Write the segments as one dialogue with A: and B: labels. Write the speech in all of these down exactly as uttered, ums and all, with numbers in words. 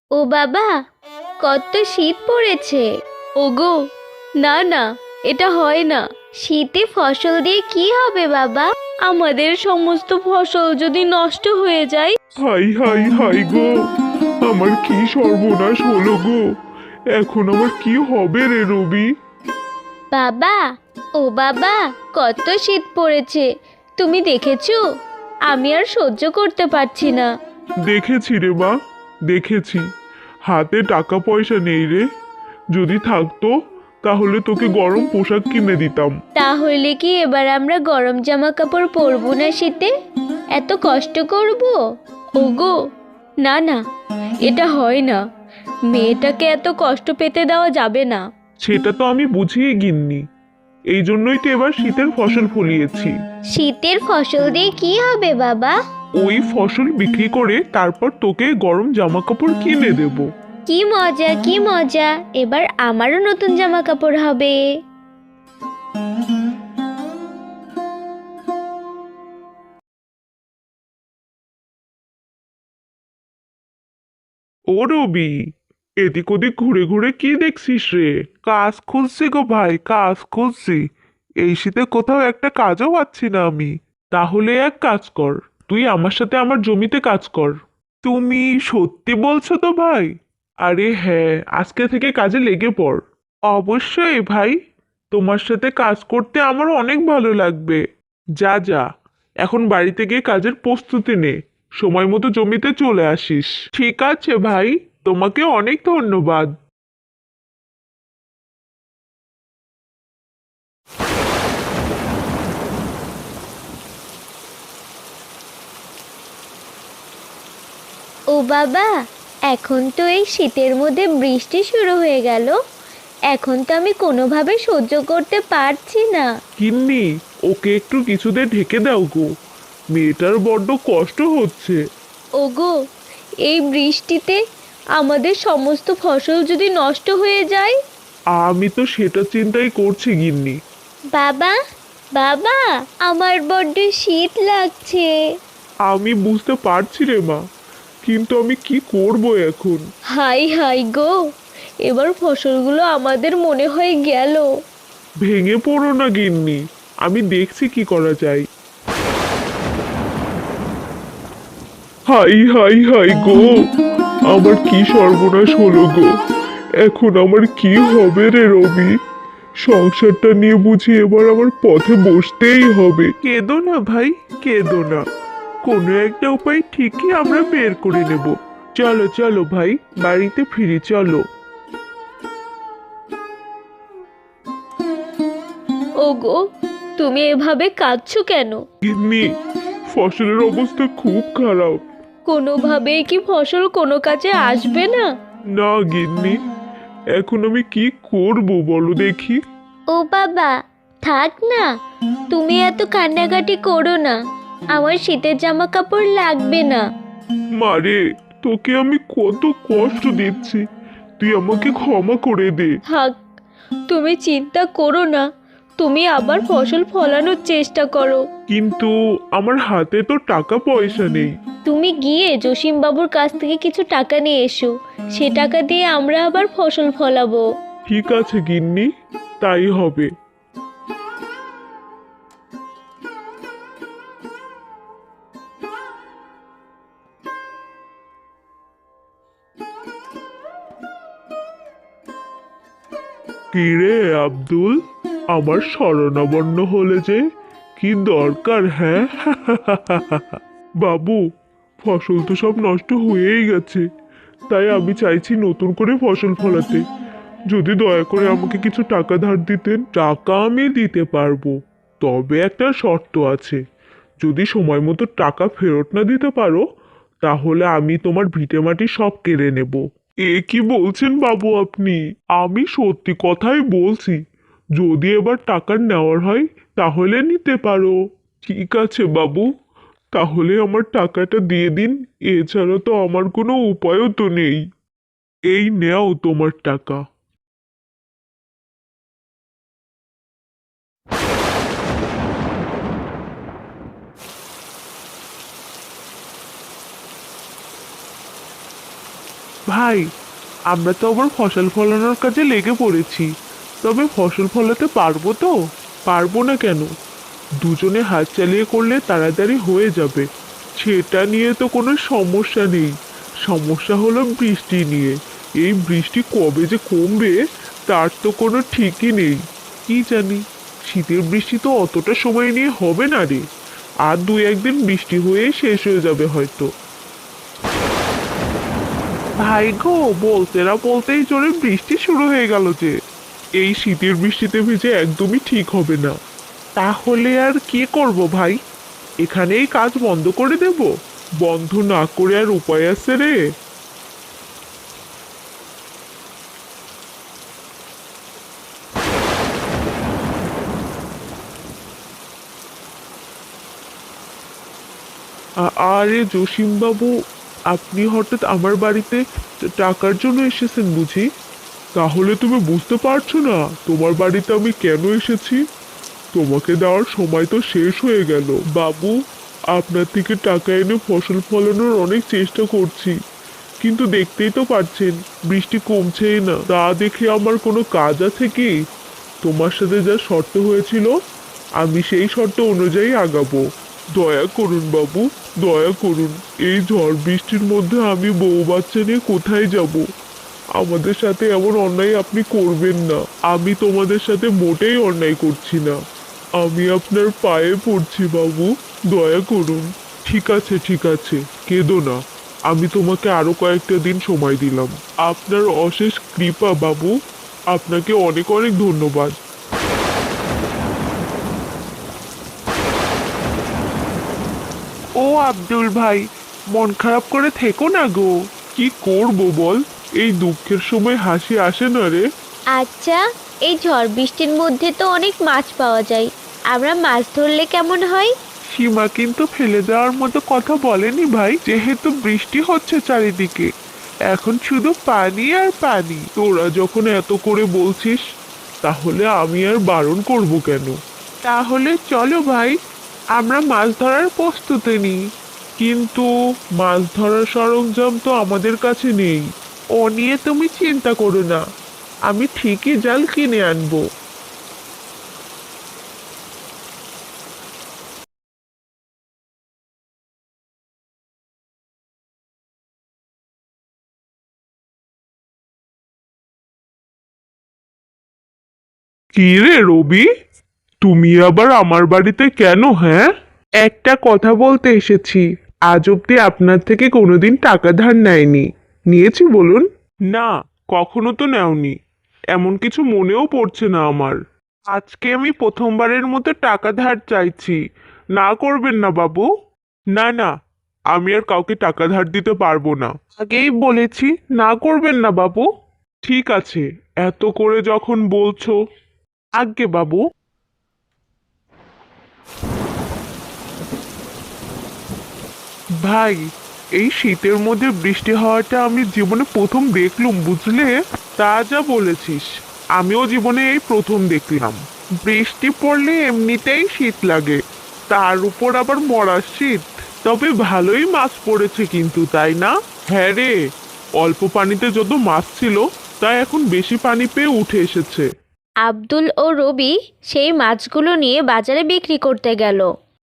A: ও বাবা, কত শীত পড়েছে। ওগো, না না, এটা হয় না। শীতে ফসল দিয়ে কি হবে বাবা? আমাদের সমস্ত ফসল যদি নষ্ট হয়ে যায়।
B: হাই হাই হাই গো, আমার কি সর্বনাশ হলো গো। এখন আমার কি হবে রে রবি?
A: বাবা, ও বাবা, কত শীত পড়েছে, তুমি দেখেছো? আমি আর সহ্য করতে পারছি না।
B: দেখেছি রে মা, দেখেছি। হাতে টাকা পয়সা নেই রে, যদি থাকতো তাহলে তোকে গরম পোশাক কিনে দিতাম।
A: তাহলে কি এবার আমরা গরম জামা কাপড় পরবো না শীতে? এত কষ্ট করব? ওগো, না না, এটা হয় না। মেয়েটাকে এত কষ্ট পেতে দেওয়া যাবে না।
B: সেটা তো আমি বুঝিয়ে গিন্নি, এই জন্যই তো এবার শীতের ফসল ফলিয়েছি।
A: শীতের ফসল দিয়ে কি হবে বাবা?
B: ওই ফসল বিক্রি করে তারপর তোকে গরম জামা কাপড় কিনে দেব।
A: কি মজা, কি মজা, এবার আমারও নতুন জামা কাপড় হবে।
B: ও রবি, এদিক ওদিক ঘুরে ঘুরে কি দেখছিস রে? কাজ খুঁজছি গো ভাই, কাজ খুঁজছি। এই শীতে কোথাও একটা কাজও পাচ্ছি না আমি। তাহলে এক কাজ কর, তুই আমার সাথে আমার জমিতে কাজ কর। তুমি সত্যি বলছো তো ভাই? আরে হ্যাঁ, আজকে থেকে কাজে লেগে পড়। অবশ্যই ভাই, তোমার সাথে কাজ করতে আমার অনেক ভালো লাগবে। যা যা, এখন বাড়িতে গিয়ে কাজের প্রস্তুতি নে, সময় মতো জমিতে চলে আসিস। ঠিক আছে ভাই, তোমাকে অনেক ধন্যবাদ।
A: ও বাবা, এখন তো এই শীতের মধ্যে বৃষ্টি শুরু হয়ে গেল। এখন তো আমি কোনোভাবে সহ্য করতে পারছি না।
B: কিন্নি, ওকে একটু কিছুতে ঢেকে দাও গো, মেয়েটার বড্ড কষ্ট হচ্ছে।
A: ওগো, এই বৃষ্টিতে আমাদের সমস্ত ফসল যদি নষ্ট হয়ে যায়।
B: আমি তো সেটা চিন্তাই করছি গিন্নি।
A: বাবা, বাবা, আমার বড্ড শীত লাগছে।
B: আমি বুঝতে পারছি রে মা, কিন্তু আমি কি করব এখন?
A: হাই হাই গো, এবার ফসলগুলো আমাদের মনে হয় গেল।
B: ভেঙে পড়ো না গিন্নি, আমি দেখছি কি করা যায়। হাই হাই হাই গো, আমার কি সর্বনাশ হলো গো। এখন আমার কি হবে রে রবি? সংসারটা নিয়ে বুঝি এবার আমার পথে বসতেই হবে। কেঁদো না ভাই, কেঁদো না, কোনো একটা উপায় ঠিকই আমরা বের করে নেব। চলো চলো ভাই, বাড়িতে ফিরি চলো।
A: ওগো, তুমি এভাবে কাঁদছো কেন?
B: গিন্নি, ফসলের অবস্থা খুব খারাপ।
A: কোনোভাবেই কি ফসল কোনো কাজে আসবে না?
B: না গিন্নি, এখন আমি কি করব বলো দেখি।
A: ও বাবা, থাক না, তুমি এত কান্নাকাটি করো না। আমার শীতের জামা কাপড় লাগবে না।
B: মারে, তোকে আমি কত কষ্ট দিচ্ছি, তুই আমাকে ক্ষমা করে দে।
A: থাক, তুমি চিন্তা করো না। তুমি আবার ফসল ফলানোর চেষ্টা করো।
B: কিন্তু আমার হাতে তো টাকা পয়সা নেই।
A: তুমি গিয়ে জসিম বাবুর কাছ থেকে কিছু টাকা নিয়ে এসো। সে টাকা দিয়ে আমরা আবার ফসল ফলাবো।
B: ঠিক আছে গিন্নি, তাই হবে। কিরে আব্দুল, আমার শরণাপন্ন হলে যে, কি দরকার হ্যাঁ? বাবু, ফসল তো সব নষ্ট হয়েই গেছে, তাই আমি চাইছি নতুন করে ফসল ফলাতে। যদি দয়া করে আমাকে কিছু টাকা ধার দিতেন। টাকা আমি দিতে পারবো, তবে একটা শর্ত আছে। যদি সময় মতো টাকা ফেরত না দিতে পারো, তাহলে আমি তোমার ভিটেমাটি সব কেড়ে নেব। এ কি বলছেন বাবু আপনি? আমি সত্যি কথাই বলছি। যদি এবার টাকা নেওয়ার হয় তাহলে নিতে পারো। ঠিক আছে বাবু, তাহলে আমার টাকাটা দিয়ে দিন। এছাড়া তো আমার কোনো উপায়ও তো নেই। এই নেও তোমার টাকা। ভাই, আমরা তো আবার ফসল ফলানোর কাজে লেগে পড়েছি, তবে ফসল ফলাতে পারবো তো? পারবো না কেন? দুজনে হাত চালিয়ে করলে তাড়াতাড়ি হয়ে যাবে, সেটা নিয়ে তো কোনো সমস্যা নেই। সমস্যা হলো বৃষ্টি নিয়ে। এই বৃষ্টি কবে যে কমবে তার তো কোনো ঠিকই নেই। কি জানি, শীতের বৃষ্টি তো অতটা সময় নিয়ে হবে না রে। আর দু একদিন বৃষ্টি হয়ে শেষ হয়ে যাবে হয়তো। ভাই গো, বলতে না বলতেই জোরে বৃষ্টি শুরু হয়ে গেল যে। এই শীতের বৃষ্টিতে ভিজে একদমই ঠিক হবে না। তাহলে আর কি করব ভাই? এখানেই কাজ বন্ধ করে দেব? বন্ধ না করে আর উপায় আছে রে? আ- আরে জসিম বাবু, আপনি হঠাৎ আমার বাড়িতে ট- টাকার জন্য এসেছেন বুঝি? তাহলে তুমি বুঝতে পারছো না তোমার বাড়িতে আমি কেন এসেছি? তোমাকে দেওয়ার সময় তো শেষ হয়ে গেল বাবু। আপনার থেকে টাকা এনে ফসল ফলানোর অনেক চেষ্টা করছি, কিন্তু দেখতেই তো পাচ্ছেন বৃষ্টি কমছেই না। তা দেখে আমার কোনো কাজ আছে কি? তোমার সাথে যা শর্ত হয়েছিল আমি সেই শর্ত অনুযায়ী আগাবো। দয়া করুন বাবু, দয়া করুন। এই ঝড় বৃষ্টির মধ্যে আমি বউ বাচ্চা নিয়ে কোথায় যাব? আমাদের সাথে এমন অন্যায় আপনি করবেন না। আমি তোমাদের সাথে মোটেই অন্যায় করছি না। আমি আপনার পায়ে পড়ছি বাবু, দয়া করুন। ঠিক আছে ঠিক আছে, কেঁদো না। আমি তোমাকে আরো কয়েকটা দিন সময় দিলাম। আপনার অশেষ কৃপা বাবু, আপনাকে অনেক অনেক ধন্যবাদ। ও আব্দুল ভাই, মন খারাপ করে থেকো না গো। কি করব বল, এই দুঃখের সময় হাসি আসে না রে।
A: আচ্ছা, এই ঝড় বৃষ্টির মধ্যে তো অনেক মাছ পাওয়া যায়, আমরা মাছ ধরলে কেমন হয়?
B: সীমা কিন্তু ফেলে দেওয়ার মতো কথা বলেনি ভাই। যেহেতু বৃষ্টি হচ্ছে চারিদিকে, এখন শুধু পানি আর পানি। তোরা যখন এত করে বলছিস, তাহলে আমি আর বারণ করব কেন? তাহলে চলো ভাই, আমরা মাছ ধরার প্রস্তুতি নিই। কিন্তু মাছ ধরার সরঞ্জাম তো আমাদের কাছে নেই। ও নিয়ে তুমি চিন্তা করো না, আমি ঠিকই জাল কিনে আনবো। কি রে রবি, তুমি আবার আমার বাড়িতে কেন? হ্যাঁ, একটা কথা বলতে এসেছি। আজ অব্দি আপনার থেকে কোনোদিন টাকা ধার নেয়নি। নিয়েছি বলুন? না, কখনো তো নেওনি। এমন কিছু মনেও পড়ছে না আমার। আজকে আমি প্রথমবারের মতো টাকা ধার চাইছি। না করবেন না বাবু। না না, আমি আর কাউকে টাকা ধার দিতে পারবো না। আগেই বলেছি না করবেন না বাবু। ঠিক আছে, এত করে যখন বলছো। আজ্ঞে বাবু। ভাই, এই শীতের মধ্যে বৃষ্টি হওয়াটা আমি জীবনে প্রথম দেখলুম বুঝলে। তা যা বলেছিস, আমিও জীবনে এই প্রথম দেখলাম। বৃষ্টি পড়লে এমনিতেই শীত লাগে, তার উপর আবার মরার শীত। তবে ভালোই মাছ পড়েছে কিন্তু, তাই না? হ্যাঁ রে, অল্প পানিতে যত মাছ ছিল তা এখন বেশি পানি পেয়ে উঠে এসেছে।
A: আব্দুল ও রবি সেই মাছগুলো নিয়ে বাজারে বিক্রি করতে গেল।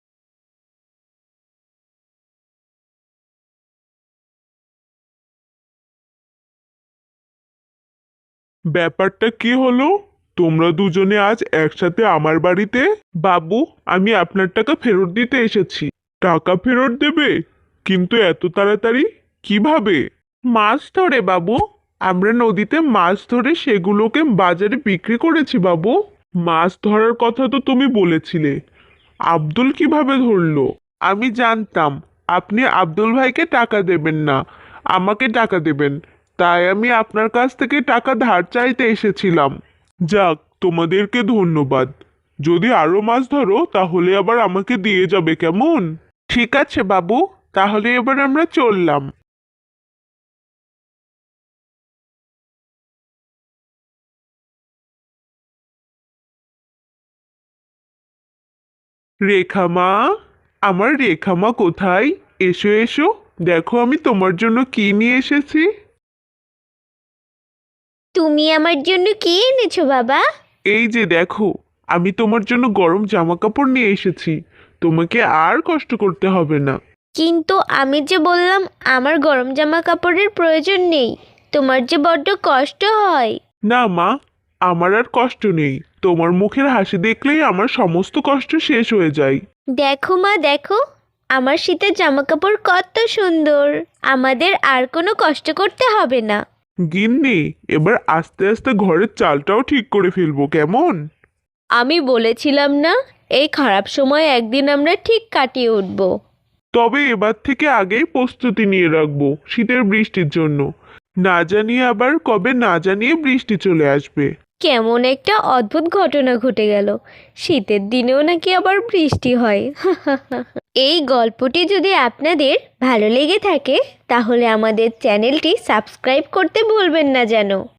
B: ব্যাপারটা কি হলো? তোমরা দুজনে আজ একসাথে আমার বাড়িতে? বাবু, আমি আপনার টাকা ফেরত দিতে এসেছি। টাকা ফেরত দেবে? কিন্তু এত তাড়াতাড়ি? কিভাবে? মাছ ধরে বাবু। আমরা নদীতে মাছ ধরে সেগুলোকে বাজারে বিক্রি করেছি বাবু। মাছ ধরার কথা তো তুমি বলেছিলে। আব্দুল কিভাবে ধরলো? আমি জানতাম আপনি আব্দুল ভাইকে টাকা দেবেন না, আমাকে টাকা দেবেন। তাই আমি আপনার কাছ থেকে টাকা ধার চাইতে এসেছিলাম। যাক, তোমাদেরকে ধন্যবাদ। যদি আরো মাছ ধরো তাহলে আবার আমাকে দিয়ে যাবে, কেমন? ঠিক আছে বাবু, তাহলে এবার আমরা চললাম। রেখা মা, আমার রেখা মা কোথায়? এসো এসো, দেখো আমি তোমার জন্য কি নিয়ে এসেছি।
A: তুমি আমার জন্য কি এনেছো বাবা?
B: এই যে দেখো, আমি তোমার জন্য গরম জামা কাপড় নিয়ে এসেছি। তোমাকে আর কষ্ট করতে হবে না।
A: কিন্তু আমি যে বললাম আমার গরম জামা কাপড়ের প্রয়োজন নেই, তোমার যে বড্ড কষ্ট হয়।
B: না মা, আমার আর কষ্ট নেই। তোমার মুখের হাসি দেখলেই আমার সমস্ত কষ্ট শেষ হয়ে যায়।
A: দেখো মা দেখো, আমার শীতের জামা কাপড় কত সুন্দর, আমাদের আর কোনো কষ্ট করতে হবে না।
B: গিন্নি, এবার আস্তে আস্তে ঘরের চালটাও ঠিক করে ফেলবো, কেমন?
A: আমি বলেছিলাম না, এই খারাপ সময় একদিন আমরা ঠিক কাটিয়ে উঠব।
B: তবে এবার থেকে আগেই প্রস্তুতি নিয়ে রাখবো শীতের বৃষ্টির জন্য। না জানিয়ে আবার কবে না জানিয়ে বৃষ্টি চলে আসবে।
A: কেমন একটা অদ্ভুত ঘটনা ঘটে গেল, শীতের দিনেও নাকি আবার বৃষ্টি হয়। এই গল্পটি যদি আপনাদের ভালো লেগে থাকে তাহলে আমাদের চ্যানেলটি সাবস্ক্রাইব করতে ভুলবেন না যেন।